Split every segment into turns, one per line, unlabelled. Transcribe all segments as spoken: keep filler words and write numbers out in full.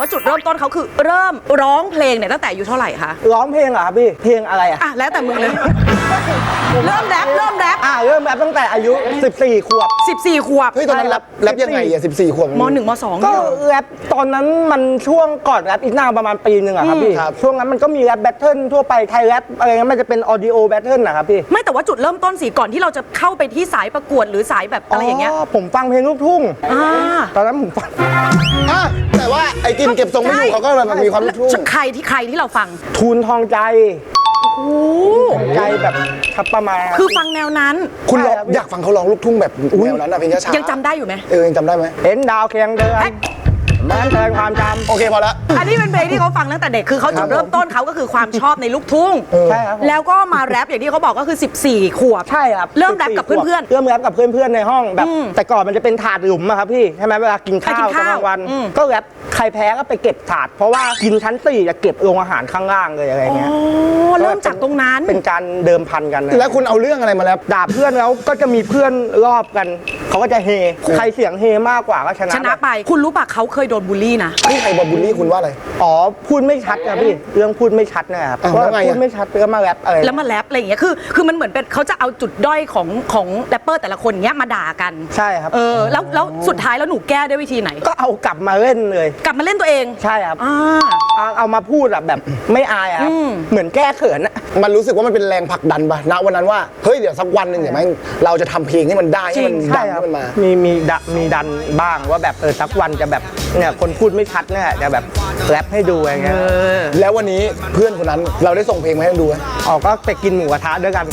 จุดเริ่มต้นเขาคือเริ่มร้องเพลงเนี่ยตั้งแต่อายุเท่าไหร่คะ
ร้องเพลงเหรอครับพี่เพลงอะไรอ่ะ
อ่ะแล้วแต่มึงเลยเริ่มแรปเริ่มแรป
อ่าเริ่มแรปตั้งแต่อายุสิบสี่ขวบ
สิบสี่ขวบ
เฮ้ยตอนนั้นแรปแรปยังไงอ่ะสิบสี่ขวบ
มหนึ่งมสอง
ก็แรปตอนนั้นมันช่วงก่อนแรปอีกนานประมาณปีหนึ่งอะครับพี่ช่วงนั้นมันก็มีแรปแบทเทิลทั่วไปไทยแรปอะไรเงี้ยมันจะเป็นออดิโอแบทเทิลนะครับพี่
ไม่แต่ว่าจุดเริ่มต้นสิก่อนที่เราจะเข้าไปที่สายประกวดหรือสายแบบอะไรอย่างเงี้ย
ผมฟังเพลงลูกทุ่งตอนนั้นผมฟัง
อ่ะแต่ว่าไอ้กินเก็บทรงไม่อยู่เขาก็แบบมีความลูกทุ่ง
ใครที่ใครที่เราฟัง
ทูนทองใจใจแบบทับประมาณ
คือฟังแนวนั้น
คุณลองอยากฟังเขาร้องลูกทุ่งแบบแนวนั้นอะเพลงช้า
ยังจำได้อยู่ไหม
เออยังจำได้ไหม
เห็นดาวเคียงเดือนมันแทนความจำ
โอเคพอละ
อันนี้เป็นเพลงที่เขาฟังตั้งแต่เด็กคือเขาจุดเริ่มต้นเขาก็คือความชอบในลูกทุ่ง
ใช่ครับ
แล้วก็มาแรปอย่างที่เขาบอกก็คือสิบสี่ขวบ
ใช่ครับ
เริ่มแรปกับเพื่อน
ๆเริ่มแรปกับเพื่อนๆในห้องแบบแต่ก่อนมันจะเป็นถาดหลุมอะครับพี่ใช่ไหมเวลากินข้าวกลางวันก็แรปใครแพ้ก็ไปเก็บถาดเพราะว่ากินชั้นสี่จะเก็บโรงอาหารข้างล่างเลยอะไรเงี้ย
เริ่มจากตรงนั้น
เป็นการเดิมพันกัน
แล้วคุณเอาเรื่องอะไรมาแล้ว
ด่าเพื่อนแล้วก็จะมีเพื่อนรอบกันเขาก็จะเฮใครเสียงเฮมากกว่าก็ชนะ
ชนะไปคุณรู้ปะเขาเคยโดนบูลลี่นะ
นี่ใครบอกบูลลี่คุณว่าอะไร
อ๋อพูดไม่ชัดนะพี่เรื่องพูดไม่ชัดนะครับว่าพูดไม่ชัดแล้วมาแรปอะไร
แล้วมาแรปอะไรอย่างเงี้ยคือคือมันเหมือนเป็นเขาจะเอาจุดด้อยของของแรปเปอร์แต่ละคนเงี้ยมาด่ากัน
ใช่ครับ
เออแล้วแล้วสุดท้ายแล้วหนูแก้ด้วยวิธีไหน
ก็เอากลับมาเล่นเลย
กลับมาเล่นตัวเอง
ใช่ครับเอาเอามาพูดแบบไม่อายครับเหมือนแก้เขิน
มันรู้สึกว่ามันเป็นแรงผลักดันป่ะณวันนั้นว่าเฮ้ยเดี๋ยวสักวันหนึ่งเดี๋ยวแม่งเราจะทำเพลงให้มันได้ให้มันดังให้มันมา
มีมีมีดันบ้างว่าแบบเออสักวันจะแบบเนี่ยคนพูดไม่ชัดเนี่ยจะแบบแรปให้ดูอะไรเงี้ย
แล้ววันนี้เพื่อนคนนั้นเราได้ส่งเพลงมาให้ดูไหม
อ๋อก็ไปกินหมูกระทะด้วยกัน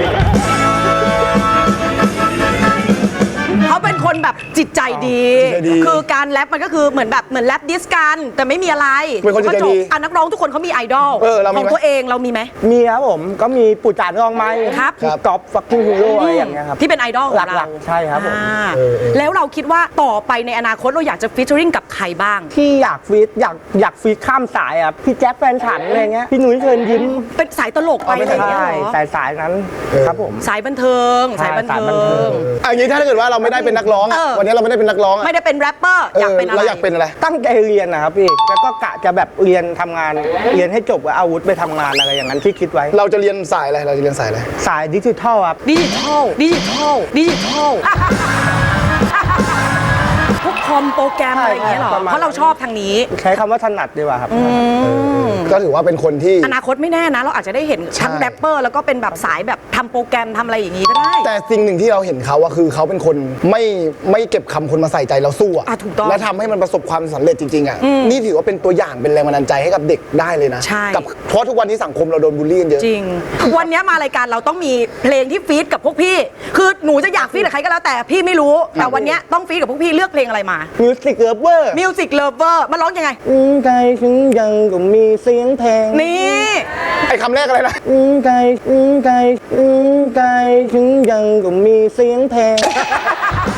เขาเป็นคนแบบจิตใจดีคือการแรปมันก็คือเหมือนแบบเหมือนแรปดิสกันแต่ไม่มีอะไร
เป็นคนจิตใจดี
อ่ะนักร้องทุกคนเขามีไอดอลของตัวเองเรามีไหม
มีครับผมก็มีปู่จานรองไม้
ครับ
ก๊อฟฟักกิ้งฮีโร่อะไรอย่างเงี้ยครับ
ที่เป็นไอดอลของเรา
ใช่ครับผม
แล้วเราคิดว่าต่อไปในอนาคตเราอยากจะฟีเจอริ่งกับใครบ้าง
ที่อยากฟีดอยากอยากฟีดข้ามสายอ่ะพี่แจ็คแฟนฉันอะไรเงี้ยพี่หนุ่ยเชิญยิ้ม
เป็นสายตลกไปอะไรอย่างเงี้ย
สายสายนั้นครับผม
สายบันเทิงสายบันเทิง
อันนี้ถ้าเกิดว่าเราไม่ได้เป็นนักร้องวันนี้เราไม่ได้เป็นนักร้อง
ไม่ได้เป็นแรปเปอร์อยากเป็นอะไร
เราอยากเป็นอะไร
ตั้งใจเรียนนะครับพี่แล้วก็กะจะแบบเรียนทำงานเรียนให้จบแล้วเอาวุธไปทำงานอะไรอย่างนั้นที่คิดไว้
เราจะเรียนสายอะไรเราจะเรียนสายอะไร
สายดิจิทัลครับ
ดิจิทัลดิจิทัลดิจิทัลพวกคอมโปรแกรมอะไรอย่างเงี้ยหรอเพราะเราชอบทางนี้
ใช้คำว่าถนัดดีกว่าครับ
ก็ถือว่าเป็นคนที่
อนาคตไม่แน่นะเราอาจจะได้เห็นทั้งแรปเปอร์แล้วก็เป็นแบบสายแบบทำโปรแกรมทำอะไรอย่างงี้ก็ได้
แต่สิ่งหนึ่งที่เราเห็นเขาอะคือเขาเป็นคนไม่ไม่เก็บคำคนมาใส่ใจเราสู้อะและทำให้มันประสบความสำเร็จจริงๆอะนี่ถือว่าเป็นตัวอย่างเป็นแรงบันดาลใจให้กับเด็กได้เลยนะกับเพราะทุกวันนี้สังคมเราโดนบูลลี่เยอะ
จริงวันนี้มารายการเราต้องมีเพลงที่ฟีดกับพวกพี่คือหนูจะอยากฟีดกับใครก็แล้วแต่พี่ไม่รู้แต่วันนี้ต้องฟีดกับพวกพี่เลือกเพลงอะไรมา
มิวสิกเลเวอร์
มิวสิกเลเวอร์มาร้องยังไง
ใจฉันยังก็มีเสียงเพลง
นี่
ไอ้คำแรกอะไรนะ
ใจใจใจฉันยังก็มีเสียงเพลง